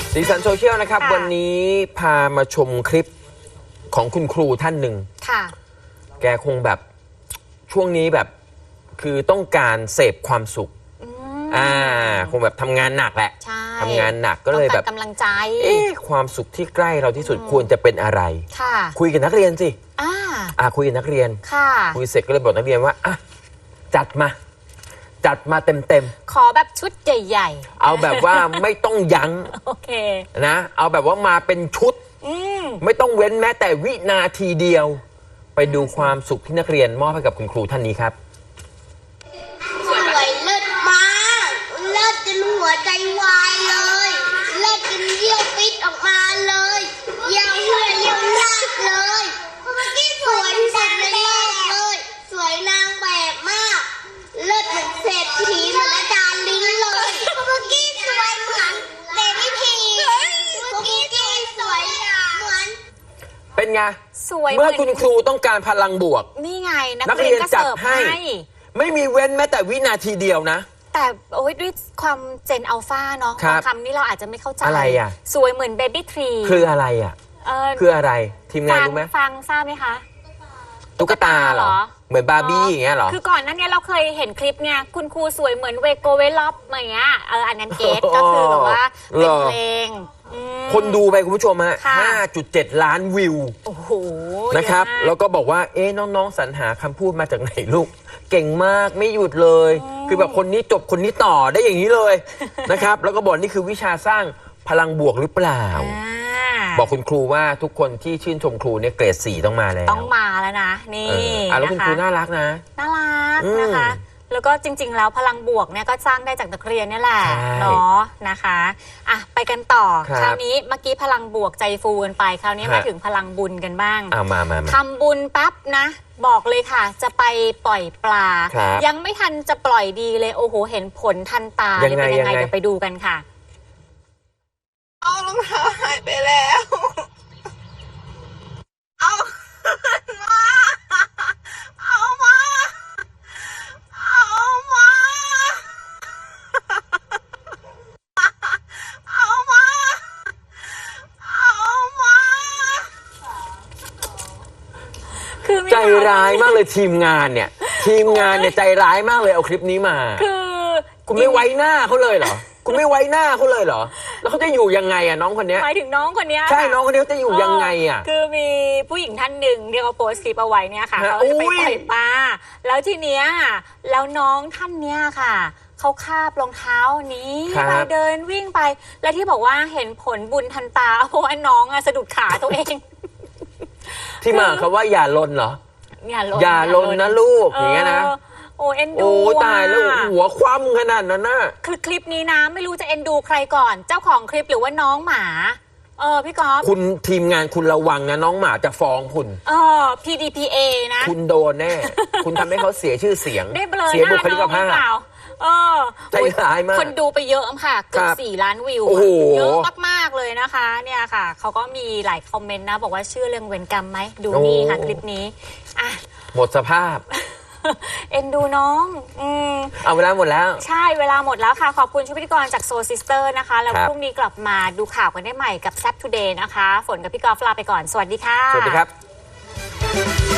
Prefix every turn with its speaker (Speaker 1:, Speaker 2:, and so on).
Speaker 1: สีสันโซเชียลนะครับวันนี้พามาชมคลิปของคุณครูท่านหนึ่งค่ะแกคงแบบช่วงนี้แบบคือต้องการเสพความสุขคงแบบทำงานหนักแหละทำงานหนักก็เลยแบบ
Speaker 2: กำลังใจ
Speaker 1: ความสุขที่ใกล้เราที่สุดควรจะเป็นอะไรคุยกับนักเรียนสิคุยกับนักเรียนคุยเสร็จก็เลยบอกนักเรียนว่าจัดมาเต็ม
Speaker 2: ขอแบบชุดใหญ่
Speaker 1: ๆเอาแบบว่าไม่ต้องยั้ง
Speaker 2: โอเค
Speaker 1: นะเอาแบบว่ามาเป็นชุดไม่ต้องเว้นแม้แต่วินาทีเดียวไปดูความสุขที่นักเรียนมอบให้กับคุณครูท่านนี้ครับ
Speaker 3: สวยเลิศมากเลิศจนหัวใจวายเลยเลิศจนเยี่ยวปิดออกมาเลยเยี่ยวเหื่อยเยี่ยวลากเลยสวยสุดในโลกเลยสวยนางแบบมากเลิศเหมือนเศรษฐีเหมือนอาจารย์ลิ้นเลยเมื่อกี้สวยเหมือนเบบี้พีเมื่อกี้สวยเหมือน
Speaker 1: เป็นไง
Speaker 2: สวย
Speaker 1: เมื่อคุณครูต้องการพลังบวก
Speaker 2: นี่ไงนักเรียนจัดให้
Speaker 1: ไม่มีเว้นแม้แต่วินาทีเดียวนะ
Speaker 2: แต่โอ้ยด้วยความเจนอัลฟาเนาะคำนี้เราอาจจะไม่เข้าใจ
Speaker 1: อะไรอ่ะ
Speaker 2: สวยเหมือนเบบี้ทรี
Speaker 1: คืออะไรอ่ะคืออะไรทีมงานรู้ไหม
Speaker 2: ฟังทราบไหมคะ
Speaker 1: ตุ๊กตาเหรอเหมือนบาร์บี้อย่างเงี้ยเหรอ
Speaker 2: คือก่อนหน้านี้เราเคยเห็นคลิปไงคุณครูสวยเหมือนเวโกเวล็อปอย่างเงี้ยอันนั้นเกตก็คือแบบว่าเป็นเพลง
Speaker 1: คนดูไปคุณผู้ชมฮะ 5.7 ล้านวิว
Speaker 2: โอ้โห
Speaker 1: นะครับแล้วก็บอกว่าน้องๆสรรหาคำพูดมาจากไหนลูกเก่งมากไม่หยุดเลยคือแบบคนนี้จบคนนี้ต่อได้อย่างนี้เลยนะครับแล้วก็บอกนี่คือวิชาสร้างพลังบวกหรือเปล่าบอกคุณครูว่าทุกคนที่ชื่นชมครูเนี่ยเกรด 4ต้องมาแล้ว
Speaker 2: ต้องมาแล้วนะนี่
Speaker 1: แล้วคุณครูน่ารักนะ
Speaker 2: น่ารักนะคะแล้วก็จริงๆแล้วพลังบวกเนี่ยก็สร้างได้จากนักเรียนนี่แหละเนาะนะคะไปกันต่อคราวนี้เมื่อกี้พลังบวกใจฟูกันไปคราวนี้มาถึงพลังบุญกันบ้าง
Speaker 1: มา
Speaker 2: ทำบุญปั๊บนะบอกเลยค่ะจะไปปล่อยปลายังไม่ทันจะปล่อยดีเลยโอ้โหเห็นผลทันตาเลยเป็นยังไงเดี๋ยวไปดูกันค่ะ
Speaker 3: เอารองเท้าหายไปแล้วเอามาเอามาเอามาเอามาเอามา
Speaker 1: คือใจร้ายมากเลยทีมงานเนี่ยใจร้ายมากเลยเอาคลิปนี้มา
Speaker 2: คือ
Speaker 1: คุณไม่ไว้หน้าเขาเลยเหรอคุณไม่ไว้หน้าเขาเลยเหรอแล้วเขาจะอยู่ยังไงน้องคนนี้
Speaker 2: หมายถึงน้องคนนี้
Speaker 1: ใช่น้องคนนี้จะอยู่ยังไง
Speaker 2: คือมีผู้หญิงท่านหนึ่งที่เขาโพสต์คลิปเอาไว้เนี่ยค่ะเขาจะไปปล่อยปลาแล้วทีเนี้ยแล้วน้องท่านเนี้ยค่ะเขาคาบรองเท้านี้ไปเดินวิ่งไปแล้วที่บอกว่าเห็นผลบุญทันตาเพราะว่าน้องสะดุดขาตัวเอง
Speaker 1: ที่มาเขาว่าอย่าลนเหรออย่าลนนะลูกอย่างเงี้ยนะ
Speaker 2: โอ้เอ็นดู
Speaker 1: ตายแล้วหัวคว่ำขนาดนั้นน่ะ
Speaker 2: คือคลิปนี้นะไม่รู้จะเอ็นดูใครก่อนเจ้าของคลิปหรือว่าน้องหมาพี่ก๊อฟ
Speaker 1: คุณทีมงานคุณระวังนะน้องหมาจะฟ้องคุณ
Speaker 2: PDPA นะ
Speaker 1: คุณโดนแน่คุณทำให้เขาเสียชื่อเสียง
Speaker 2: เสีย
Speaker 1: บุคลิกภาพใจร้ายมาก
Speaker 2: คนดูไปเยอะค่ะเกือบ4 ล้านวิวเยอะมากๆเลยนะคะเนี่ยค่ะเขาก็มีหลายคอมเมนต์นะบอกว่าเชื่อเรื่องเวรกรรมไหมดูนี่ค่ะคลิปนี้
Speaker 1: หมดสภาพ
Speaker 2: เอ็นดูน้อง
Speaker 1: เอาเวลาหมดแล้ว
Speaker 2: ใช่เวลาหมดแล้วค่ะขอบคุณชุดพิธีกรจากโซซิสเตอร์นะคะแล้วพรุ่งนี้กลับมาดูข่าวกันได้ใหม่กับแซ่บทูเดย์นะคะฝนกับพี่กอล์ฟลาไปก่อนสวัสดีค่ะ
Speaker 1: สวัสดีครับ